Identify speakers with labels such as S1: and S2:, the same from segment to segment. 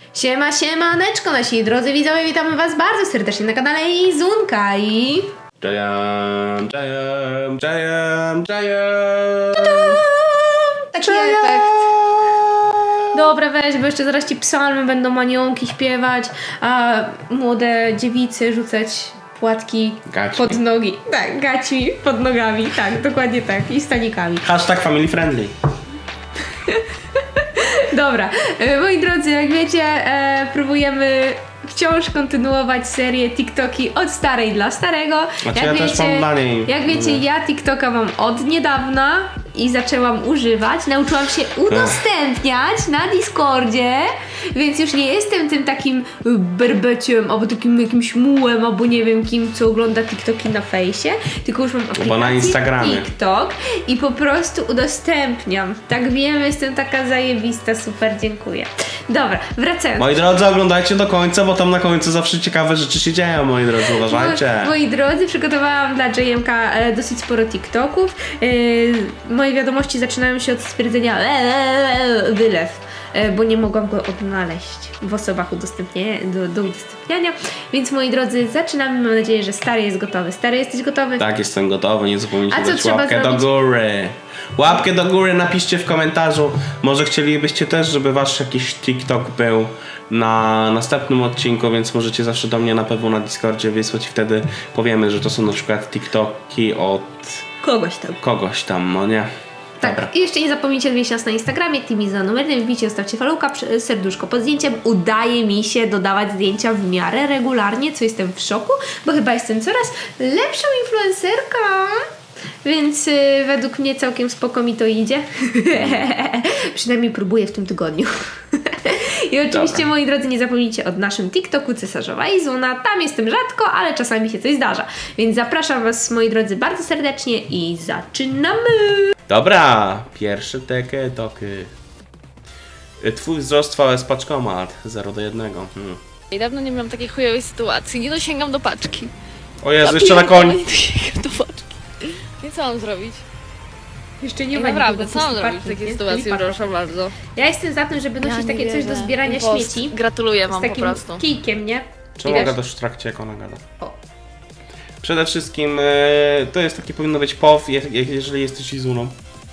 S1: Siema, siemaneczko nasi drodzy widzowie, witamy was bardzo serdecznie na kanale Izunka i... Taki efekt. Dobra, weź, bo jeszcze zaraz ci psalmy będą aniołki śpiewać, a młode dziewicy rzucać płatki pod nogi. Tak, gaćmi pod nogami, tak, dokładnie tak, i stanikami.
S2: Hashtag family friendly.
S1: Dobra, moi drodzy, jak wiecie, próbujemy wciąż kontynuować serię TikToki od starej dla starego.
S2: Znaczy ja też mam dla niej.
S1: Jak wiecie, ja TikToka mam od niedawna i zaczęłam używać. Nauczyłam się udostępniać na Discordzie, więc już nie jestem tym takim berbeciem, albo takim jakimś mułem, albo nie wiem kim, co ogląda TikToki na fejsie, tylko już mam aplikację
S2: na Instagramie.
S1: TikTok i po prostu udostępniam. Tak wiem, jestem taka zajebista, super, dziękuję. Dobra, wracając.
S2: Moi drodzy, oglądajcie do końca, bo tam na końcu zawsze ciekawe rzeczy się dzieją, moi drodzy, uważajcie.
S1: Moi drodzy, przygotowałam dla JMK dosyć sporo TikToków. Moje wiadomości zaczynają się od stwierdzenia wylew, bo nie mogłam go odnaleźć w osobach do udostępniania. Więc moi drodzy, zaczynamy. Mam nadzieję, że stary jest gotowy. Stary, jesteś gotowy?
S2: Tak, jestem gotowy, nie zapomnijcie
S1: A co
S2: dać
S1: trzeba
S2: łapkę
S1: zrobić?
S2: do góry. Łapkę do góry, napiszcie w komentarzu. Może chcielibyście też, żeby wasz jakiś TikTok był na następnym odcinku, więc możecie zawsze do mnie na pewno na Discordzie wysłać i wtedy powiemy, że to są na przykład TikToki od
S1: Kogoś tam.
S2: no nie?
S1: Tak,
S2: Dobra.
S1: i jeszcze nie zapomnijcie odwiedzić nas na Instagramie, Timiza numerem, wbijcie, zostawcie followka, serduszko pod zdjęciem. Udaje mi się dodawać zdjęcia w miarę regularnie, co jestem w szoku, bo chyba jestem coraz lepszą influencerką. Więc według mnie całkiem spoko mi to idzie. Przynajmniej próbuję w tym tygodniu. I oczywiście,
S2: Dobra.
S1: moi drodzy, nie zapomnijcie o naszym TikToku Cesarzowa Izuna. Tam jestem rzadko, ale czasami się coś zdarza. Więc zapraszam was, moi drodzy, bardzo serdecznie i zaczynamy!
S2: Dobra, pierwsze toki. Twój wzrost VS paczkomat 0:1.
S3: I dawno nie miałam takiej chujowej sytuacji. Nie dosięgam do paczki.
S2: O Jezu, jeszcze na koń.
S3: Nie dosięgam do paczki. I co mam zrobić?
S1: Jeszcze nie
S3: I
S1: ma
S3: naprawdę,
S1: nikogo,
S3: co mam
S1: pusty
S3: zrobić w
S1: parking,
S3: takiej
S1: nie?
S3: sytuacji?
S1: Czyli parking.
S3: Proszę bardzo.
S1: Ja jestem za tym, żeby nosić
S3: nie
S1: takie coś do
S3: wierzę.
S1: zbierania
S3: Impost.
S1: śmieci.
S3: Gratuluję
S1: Z
S3: wam po
S1: takim
S3: prostu.
S1: kijkiem, nie?
S2: Czemu
S1: Widać?
S2: gadasz w trakcie, jak ona gada?
S1: O.
S2: Przede wszystkim to jest taki powinno być POW, jeżeli jesteś Izuną.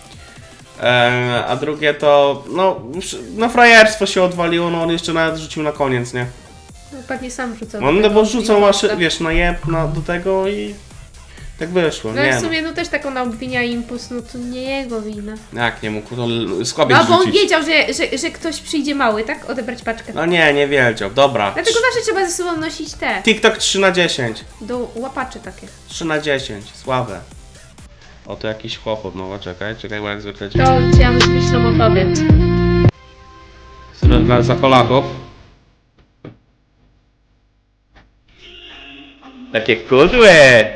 S2: A drugie to, no frajerstwo się odwaliło, no on jeszcze nawet rzucił na koniec, nie?
S1: No, pewnie sam rzucał.
S2: No, no bo rzucą
S1: masz,
S2: wiesz, na jeb, do tego i tak wyszło,
S1: no
S2: nie
S1: w sumie no też taką obwinia impuls, no to nie jego wina.
S2: Jak nie mógł, to słabiej
S1: No bo on
S2: rzucić.
S1: wiedział, że ktoś przyjdzie mały, tak? Odebrać paczkę.
S2: No nie wiedział, dobra.
S1: Dlatego zawsze trzeba ze sobą nosić te,
S2: TikTok 3/10.
S1: do łapaczy takie.
S2: 3/10, słabe. O, to jakiś chłopot, no czekaj, bo jak zwykle
S1: To ja myślę o tobie.
S2: Za Polaków. Takie kudły!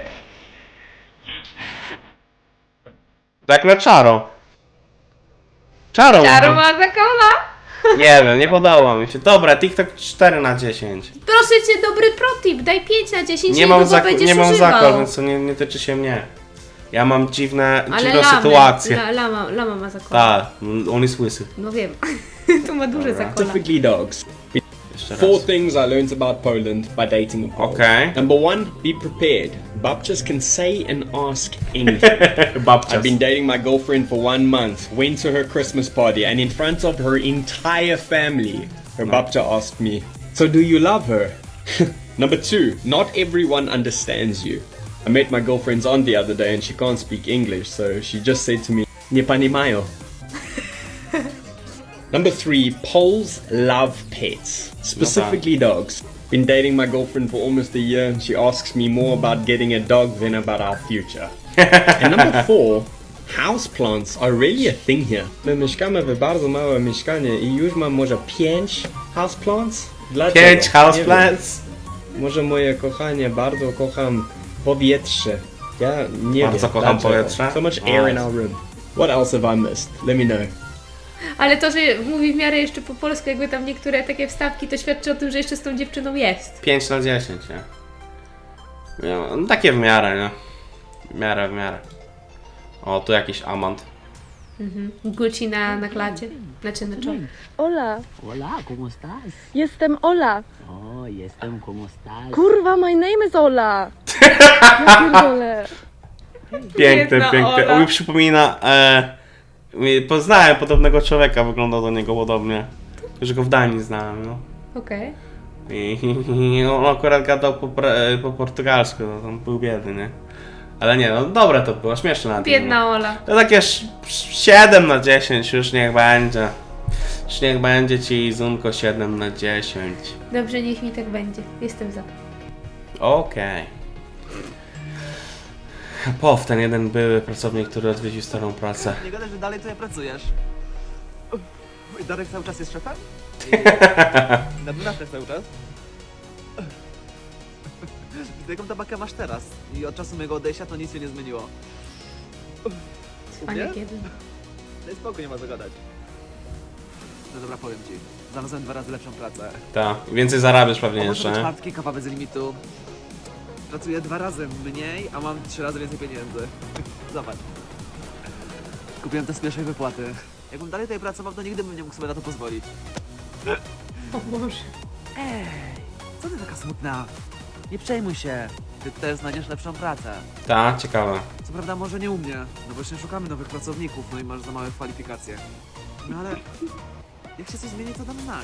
S2: Tak na czaro. Czaro
S1: ma zakona!
S2: Nie wiem, nie podoba mi się. Dobra, TikTok 4/10.
S1: Proszę cię, dobry protip, daj 5/10
S2: Nie
S1: i
S2: mam,
S1: długo będziesz
S2: nie mam
S1: używał.
S2: zakon, więc to nie tyczy się mnie. Ja mam dziwną
S1: lamy,
S2: sytuację.
S1: Lama ma zakon.
S2: Tak, on jest łysy.
S1: No wiem. Tu ma duże zakona.
S4: Specifically dogs.
S2: Jeszcze
S4: Four
S2: raz.
S4: things I learned about Poland by dating a Pole.
S2: Okay.
S4: Number one, be prepared. Babcias can say and ask anything.
S2: Babcias.
S4: I've been dating my girlfriend for 1 month, went to her Christmas party, and in front of her entire family, her babcia asked me, "So do you love her?" Number two, not everyone understands you. I met my girlfriend's aunt the other day and she can't speak English, so she just said to me, "Nie panimają." Number three, Poles love pets, specifically dogs. Been dating my girlfriend for almost a year and she asks me more about getting a dog than about our future. And number four, houseplants are really a thing here. My mieszkamy w bardzo małe mieszkanie i już mam może 5 houseplants. Dlaczego?
S2: 5
S4: Nie
S2: houseplants.
S4: wiem. Może moje kochanie, bardzo kocham powietrze. Ja nie
S2: Bardzo
S4: wiem.
S2: kocham
S4: dlaczego.
S2: powietrze?
S4: So much air in our room. What else have I missed? Let me know.
S1: Ale to, że mówi w miarę jeszcze po polsku, jakby tam niektóre takie wstawki, to świadczy o tym, że jeszcze z tą dziewczyną jest.
S2: 5/10, nie? No, takie w miarę, nie? W miarę. O, tu jakiś amant.
S1: Gucci na klacie, znaczy na czole.
S3: Ola,
S5: Hola, ¿cómo estás?
S3: jestem Ola.
S5: Oh, jestem, ¿cómo estás?
S3: Kurwa, my name is Ola. Ja pierdolę.
S2: Piękne,
S1: Biedna
S2: piękne.
S1: Ola.
S2: On mi przypomina... poznałem podobnego człowieka, wyglądał do niego podobnie. Że go w Danii znałem, no.
S1: Okej.
S2: I on akurat gadał po portugalsku, no, on był biedny, nie? Ale nie, no dobre to było, śmieszne na
S1: Biedna Ola.
S2: To takie 7 na 10, już niech będzie. Już niech będzie ci Zunko 7 na 10.
S1: Dobrze, niech mi tak będzie. Jestem za.
S2: Okej. Pow, ten jeden były pracownik, który odwiedził starą pracę.
S6: Nie gadaj, że dalej tutaj pracujesz. I Darek cały czas jest szefem? Na dwunastkę cały czas? Jaką tabakę masz teraz? I od czasu mojego odejścia to nic się nie zmieniło.
S1: Cwaniak jeden.
S6: Daj spokój, nie ma co gadać. No dobra, powiem ci. Znalazłem 2 razy lepszą pracę.
S2: Tak, więcej zarabiasz pewnie
S6: Może
S2: jeszcze,
S6: do
S2: nie?
S6: czwartki, kawa bez limitu. Pracuję 2 razy mniej, a mam 3 razy więcej pieniędzy. Zobacz. Kupiłem to z pierwszej wypłaty. Jakbym dalej tutaj pracował, to nigdy bym nie mógł sobie na to pozwolić.
S1: O Boże.
S6: Ej, co ty taka smutna? Nie przejmuj się. Ty też znajdziesz lepszą pracę.
S2: Tak, ciekawe.
S6: Co prawda może nie u mnie, no właśnie szukamy nowych pracowników, no i masz za małe kwalifikacje. No ale jak się coś zmieni, to dam znać.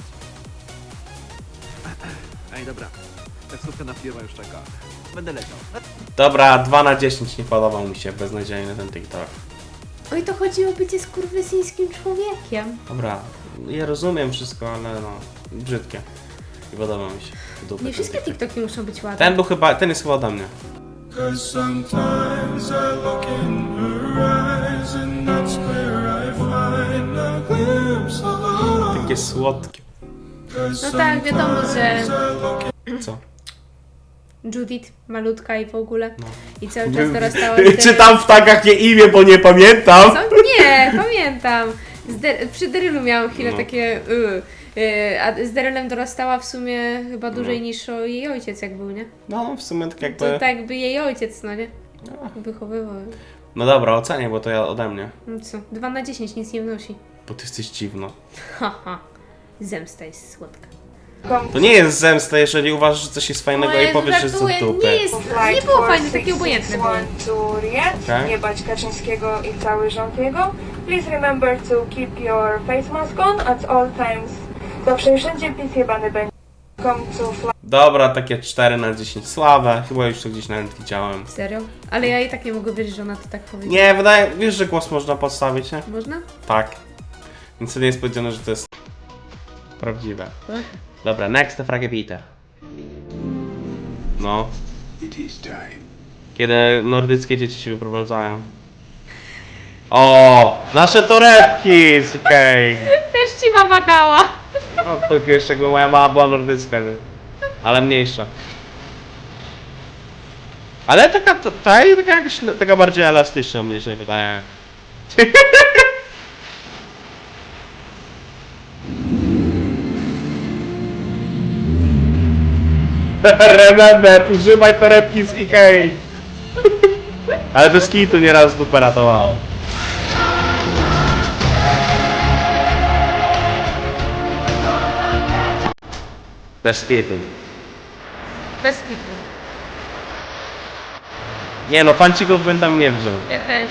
S6: Ej, dobra. Taksówka na firmę już czeka. Będę leciał.
S2: Dobra, 2 na 10 nie podobał mi się, beznadziejny ten TikTok.
S1: Oj, to chodzi o bycie skurwysyńskim człowiekiem.
S2: Dobra, ja rozumiem wszystko, ale no, brzydkie. Nie podoba mi się. Dupy
S1: Nie
S2: ten
S1: wszystkie
S2: TikTok.
S1: TikToki muszą być ładne.
S2: Ten jest chyba ode mnie.
S7: 'Cause sometimes I look in her eyes and that's where I find a glimpse of love.
S2: Takie słodkie.
S1: No tak, wiadomo, że
S2: Co?
S1: Judith, malutka i w ogóle.
S2: No.
S1: I cały czas dorastała
S2: Czytam w tagach nie imię, bo nie pamiętam.
S1: Co? Nie, pamiętam. Przy Derylu miałam chwilę
S2: No.
S1: takie a z Derylem dorastała w sumie chyba dłużej niż jej ojciec jak był, nie?
S2: No, w sumie tak jakby...
S1: To tak by jej ojciec, no nie? Wychowywał.
S2: No dobra, ocenię, bo to ja ode mnie.
S1: No co? 2 na 10 nic nie wnosi.
S2: Bo ty jesteś dziwna.
S1: Haha. Zemsta jest słodka.
S2: To nie jest zemsta, jeżeli uważasz, że coś jest fajnego
S1: O
S2: i
S1: Jezu,
S2: powiesz, że jest to
S1: żartuję,
S2: dupy.
S1: nie było fajne, takie obojętne było.
S8: To Riyadh,
S2: Okay.
S8: nie bać Kaczyńskiego i cały rząd jego. Please remember to keep your face mask on at all times. Zawsze i wszędzie PiS jebany będzie. Come to fly.
S2: Dobra, takie 4 na 10 słabe. Chyba już to gdzieś nawet widziałem.
S1: Serio? Ale ja i tak nie mogę wierzyć, że ona to tak powiedziała.
S2: Nie, wydaje... Wiesz, że głos można podstawić, nie?
S1: Można?
S2: Tak. Więc to nie jest powiedziane, że to jest prawdziwe. Dobra, next frage bitte. No. Kiedy nordyckie dzieci się wyprowadzają. O, nasze torebki! Okej.
S1: Też ci mama dała.
S2: No to jeszcze jakby moja mama była nordycka, nie? Ale mniejsza. Ale taka jakaś, taka bardziej elastyczna mnie się wydaje. Remember, używaj torebki z Ikei. Ale bez kitu nieraz dupę ratowało. Bez kitu.
S1: Bez kitu.
S2: Nie no, pancików bym tam nie wziął.
S1: Ja też.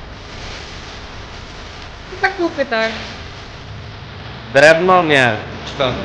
S1: Tak kupy, tak.
S2: Drewno? Nie. Czy to...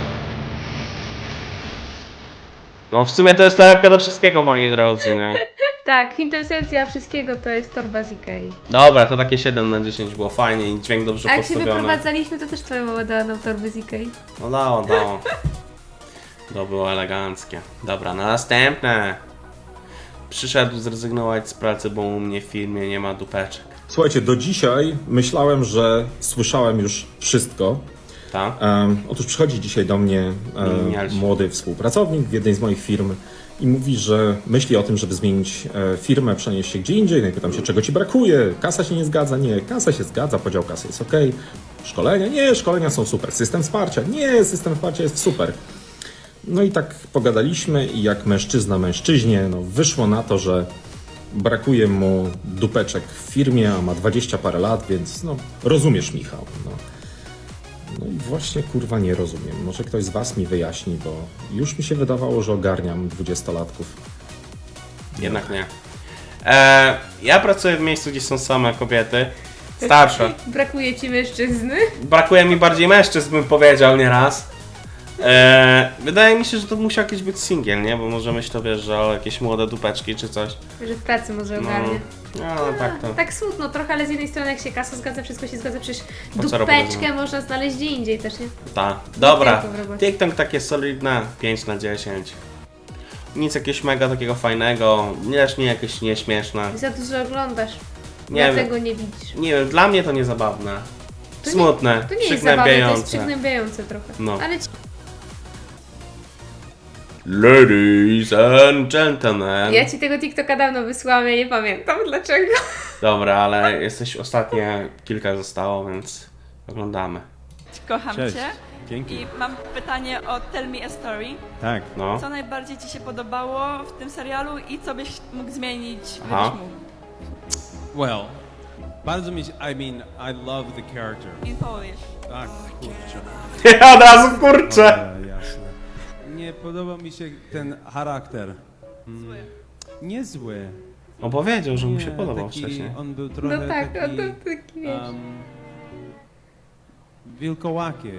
S2: No w sumie to jest torebka do wszystkiego, moi drodzy, nie?
S1: Tak, kwintesencja wszystkiego to jest torba z Ikei.
S2: Dobra, to takie 7 na 10 było fajnie i dźwięk dobrze
S1: A jak się
S2: postawiony.
S1: wyprowadzaliśmy, to też twoja mama dała nam torby z Ikei.
S2: No dało. To było eleganckie. Dobra, następne. Przyszedł zrezygnować z pracy, bo u mnie w firmie nie ma dupeczek.
S9: Słuchajcie, do dzisiaj myślałem, że słyszałem już wszystko.
S2: Tak?
S9: Otóż przychodzi dzisiaj do mnie
S2: Milenialsi.
S9: młody współpracownik w jednej z moich firm i mówi, że myśli o tym, żeby zmienić firmę, przenieść się gdzie indziej. No i pytam się, czego ci brakuje? Kasa się nie zgadza? Nie, kasa się zgadza, podział kasy jest ok. Szkolenia? Nie, szkolenia są super. System wsparcia? Nie, system wsparcia jest super. No i tak pogadaliśmy i jak mężczyzna mężczyźnie, no wyszło na to, że brakuje mu dupeczek w firmie, a ma 20 parę lat, więc no, rozumiesz, Michał. No i właśnie, kurwa, nie rozumiem. Może ktoś z was mi wyjaśni, bo już mi się wydawało, że ogarniam 20-latków.
S2: Jednak nie. Ja pracuję w miejscu, gdzie są same kobiety. Starsze.
S1: Brakuje ci mężczyzny?
S2: Brakuje mi bardziej mężczyzn, bym powiedział nieraz. Wydaje mi się, że to musi jakiś być singiel, nie? Bo może myślę, wiesz, że o jakieś młode dupeczki czy coś.
S1: Że w pracy może ogarnie.
S2: No tak to.
S1: Tak smutno trochę, ale z jednej strony jak się kasa zgadza, wszystko się zgadza, przecież
S2: Po co robić,
S1: dupeczkę można znaleźć gdzie indziej też, nie?
S2: Tak. Dobra.
S1: tylko w robocie.
S2: TikTok takie solidne 5/10. Nic jakiegoś mega takiego fajnego, nie jakieś nieśmieszne.
S1: Za dużo oglądasz,
S2: Nie
S1: dlatego nie widzisz.
S2: Nie wiem, dla mnie to nie zabawne.
S1: To
S2: Smutne,
S1: To nie jest zabawne, to jest
S2: przygnębiające.
S1: przygnębiające trochę.
S2: No.
S1: Ale
S2: Ladies and gentlemen.
S1: ja ci tego TikToka dawno wysłałam, ja nie pamiętam dlaczego.
S2: Dobra, ale jesteś ostatnie, kilka zostało, więc oglądamy.
S10: Kocham
S4: Cześć.
S10: Cię.
S4: Dzięki.
S10: I mam pytanie o Tell Me a Story.
S4: Tak.
S2: No.
S10: Co najbardziej Ci się podobało w tym serialu i co byś mógł zmienić,
S2: Aha.
S10: gdybyś mógł?
S11: Well, bardzo mi się, I mean, I love the character.
S10: In Polish.
S11: Tak, kurczę.
S2: Od razu kurczę!
S11: Dobra, jasne. Nie podoba mi się ten charakter.
S10: Zły.
S11: Niezły.
S2: On powiedział, że mu się
S11: Nie,
S2: podobał
S11: taki,
S2: wcześniej.
S11: On był trochę
S1: No tak,
S11: taki,
S1: to taki wiesz.
S11: wilkołaki.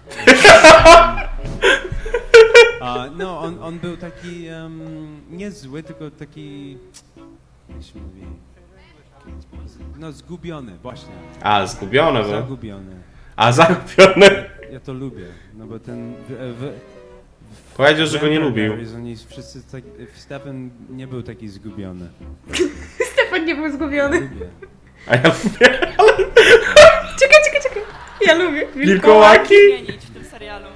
S11: No, on był taki niezły, tylko taki, jak się mówi, no zgubiony, właśnie.
S2: A, zgubione był.
S11: Zagubiony.
S2: A, zagubiony.
S11: Ja to lubię, no bo ten...
S2: Powiedział, że go nie lubił.
S11: Oni wszyscy tak, Stefan nie był taki zgubiony.
S1: Stefan nie był zgubiony.
S11: Lubię.
S2: A ja lubię.
S1: Czekaj. Ja lubię.
S2: Wilkołaki?
S10: Zmienić w tym serialu.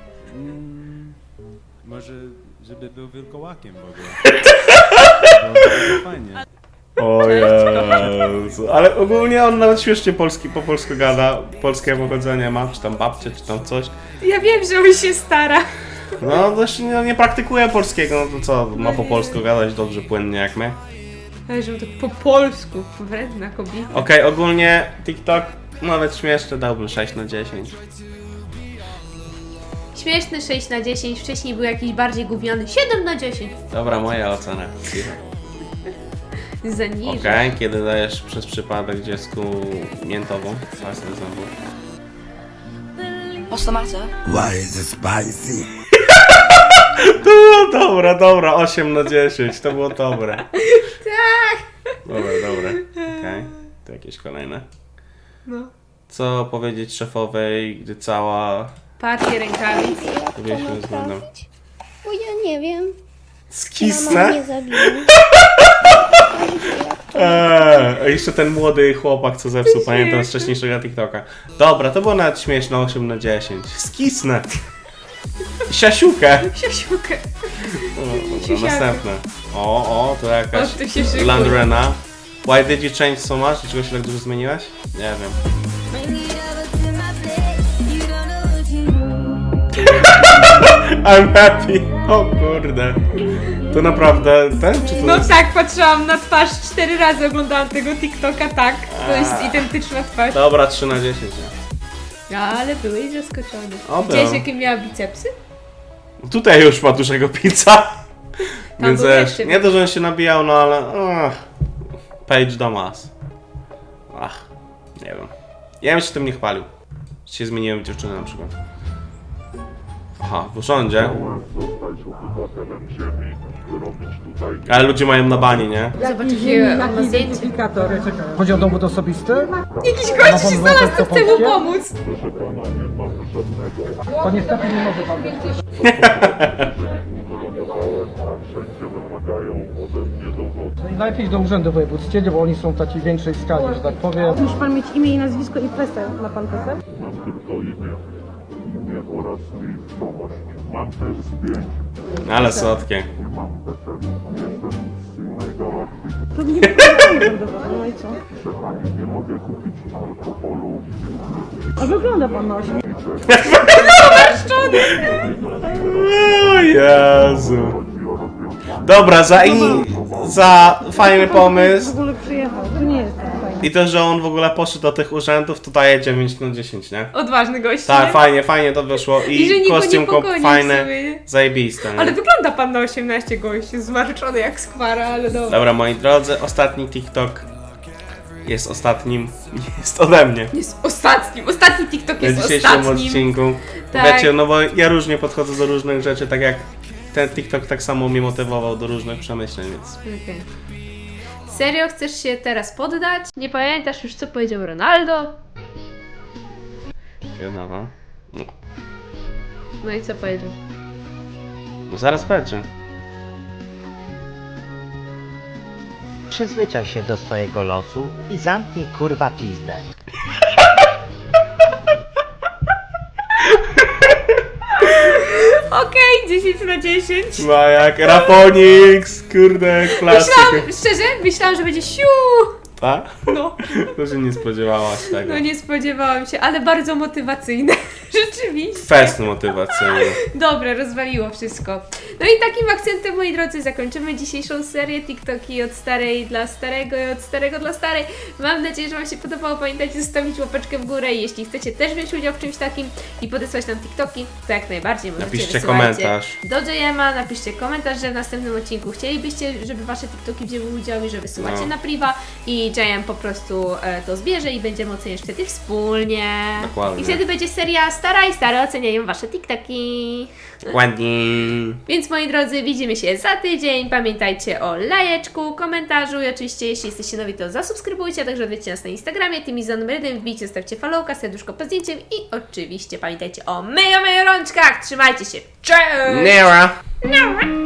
S11: Może, żeby był wilkołakiem w ogóle. Byłoby fajnie.
S2: O Jezu. Ale ogólnie on nawet śmiesznie po polsku gada. Polskie pochodzenie ma, czy tam babcie, czy tam coś.
S1: Ja wiem, że on się stara.
S2: No, dość nie praktykuje polskiego, no to co, ma po polsku gadać dobrze, płynnie jak my.
S1: Ale że on tak po polsku, wredna kobieta.
S2: Okej, ogólnie TikTok, nawet śmieszny, dałbym 6/10.
S1: Śmieszny 6/10, wcześniej był jakiś bardziej gówniany 7/10.
S2: Dobra, moja ocena.
S1: Zaniżę.
S2: Okej, kiedy dajesz przez przypadek dziecku miętową pasę zębów.
S10: What's the matter?
S7: Why is it spicy?
S2: To było dobra, 8/10, to było dobre.
S1: Tak.
S2: Dobra. Okej, to jakieś kolejne.
S1: No.
S2: Co powiedzieć szefowej, gdy cała...
S1: Partię rękawic.
S2: Powiedzieliśmy względem...
S12: Bo ja nie wiem. Mama
S2: Skisnę?
S12: mnie zabiła.
S2: Jeszcze ten młody chłopak, co zepsuł, pamiętam z wcześniejszego TikToka. Dobra, to było nawet śmieszne, 8/10. Skisnę! Siasiukę!
S1: Siasiukę.
S2: Dobra, następne. O, to jakaś
S1: O, tu się szykuj.
S2: Landrena. Why did you change so much? Dlaczego się tak dużo zmieniłaś? Nie wiem. I'm happy. O kurde. To naprawdę ten, czy to
S1: No
S2: jest...
S1: tak, patrzyłam na twarz 4 razy, oglądałam tego TikToka, tak. To jest identyczna twarz.
S2: Dobra, 3/10. Nie?
S1: Ale byłeś zaskoczony.
S2: O,
S1: Widziałeś,
S2: był.
S1: jakie miała bicepsy?
S2: Tutaj już ma dużego pizza. Więc
S1: był
S2: wiesz,
S1: jeszcze
S2: nie to, że on się nabijał, no ale... Page Damas. Nie wiem. Ja bym się tym nie chwalił. Że się zmieniłem w dziewczynę na przykład. Aha, w urządzie. Ale ludzie mają na bani, nie?
S1: Zobacz, jakie on ma zdjęcie.
S13: Chodzi o dowód osobisty?
S1: Jakiś gość się znalazł, co chce mu pomóc.
S13: To niestety nie może pan być. No i najpierw do urzędu wojewódzkiego, bo oni są w takiej większej skali, że tak powiem.
S12: Musi pan mieć imię i nazwisko i PESEL. Ma pan PESEL?
S2: Ale słodkie.
S12: To nie będę no i co? A wygląda pan na 8.
S2: O Jezu. Dobra, za fajny
S12: W
S2: pomysł.
S12: ogóle przyjechał, to nie jest tak fajne.
S2: I to, że on w ogóle poszedł do tych urzędów, to daje 9 na 10, nie?
S1: Odważny gość.
S2: Tak,
S1: nie?
S2: fajnie to wyszło.
S1: I że
S2: I
S1: nikt go nie
S2: kostiumko
S1: pogoni
S2: fajne,
S1: sobie, nie?
S2: zajebiste. Nie?
S1: Ale wygląda pan na 18 gości, zmarszczony jak skwara, ale dobra.
S2: Dobra, moi drodzy, ostatni TikTok jest ostatnim, jest ode mnie.
S1: Jest ostatnim. Ostatni TikTok
S2: W
S1: jest
S2: dzisiejszym
S1: ostatnim.
S2: odcinku.
S1: Tak.
S2: Wiecie, no bo ja różnie podchodzę do różnych rzeczy, tak jak ten TikTok tak samo mnie motywował do różnych przemyśleń, więc...
S1: Okej. Serio chcesz się teraz poddać? Nie pamiętasz już co powiedział Ronaldo?
S2: No.
S1: No i co powiedział?
S2: No zaraz będzie.
S5: Przyzwyczaj się do swojego losu i zamknij kurwa pizdę.
S1: Okej, 10 na 10.
S2: No jak Rafonix, kurde, klasyk.
S1: Myślałam, że będzie siu.
S2: Tak?
S1: No.
S2: To się nie spodziewałaś tego.
S1: No nie spodziewałam się, ale bardzo motywacyjne. Rzeczywiście.
S2: Fest motywacyjny.
S1: Dobra, rozwaliło wszystko. No i takim akcentem, moi drodzy, zakończymy dzisiejszą serię TikToki od starej dla starego i od starego dla starej. Mam nadzieję, że Wam się podobało. Pamiętajcie zostawić łapeczkę w górę i jeśli chcecie też wziąć udział w czymś takim i podesłać nam TikToki, to jak najbardziej możecie.
S2: Napiszcie
S1: wysyłajcie
S2: komentarz.
S1: do JM-a, napiszcie komentarz, że w następnym odcinku chcielibyście, żeby Wasze TikToki wzięły udział i że wysyłacie
S2: No.
S1: na priwa i JM po prostu to zbierze i będziemy oceniać wtedy wspólnie.
S2: Dokładnie.
S1: I wtedy będzie seria Stara i Stary oceniają Wasze TikToki.
S2: Ładnie.
S1: Więc moi drodzy, widzimy się za tydzień. Pamiętajcie o lajeczku, komentarzu i oczywiście jeśli jesteście nowi, to zasubskrybujcie, a także odwiedźcie nas na Instagramie, Timiza numer 1, wbijcie, stawcie followka, serduszko pod zdjęciem i oczywiście pamiętajcie o myjo rączkach. Trzymajcie się. Cześć!
S2: Nera.
S1: Nara.